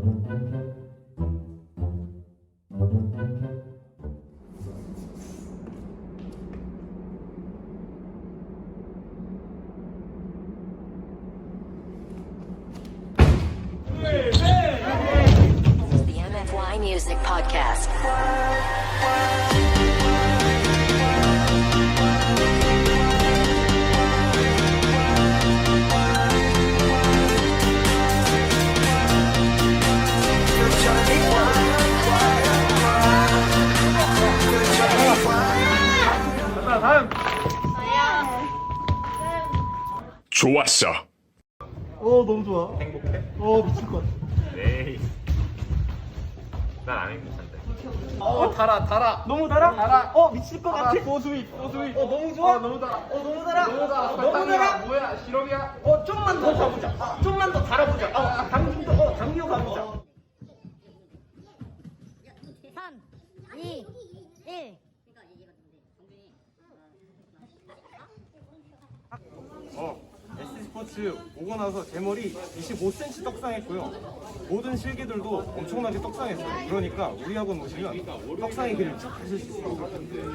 The MFY Music Podcast. 좋았어. 너무 좋아. 행복해? 미칠 것 같아. 에이. 난 안 행복한데. 달아. 너무 달아? 미칠 것 같아. 소스윗. 너무 좋아. 너무 달아. 너무 달아. 너무 달아. 뭐야? 시럽이야? 좀만 더 가보자. 좀만 더 달아보자. 당겨 가보자. 3, 2, 1. S스포츠 오고 나서 제 머리 25cm 떡상했고요. 모든 실기들도 엄청나게 떡상했어요. 그러니까 우리 학원 오시면 떡상의 길을 쭉 가실 수 있어요.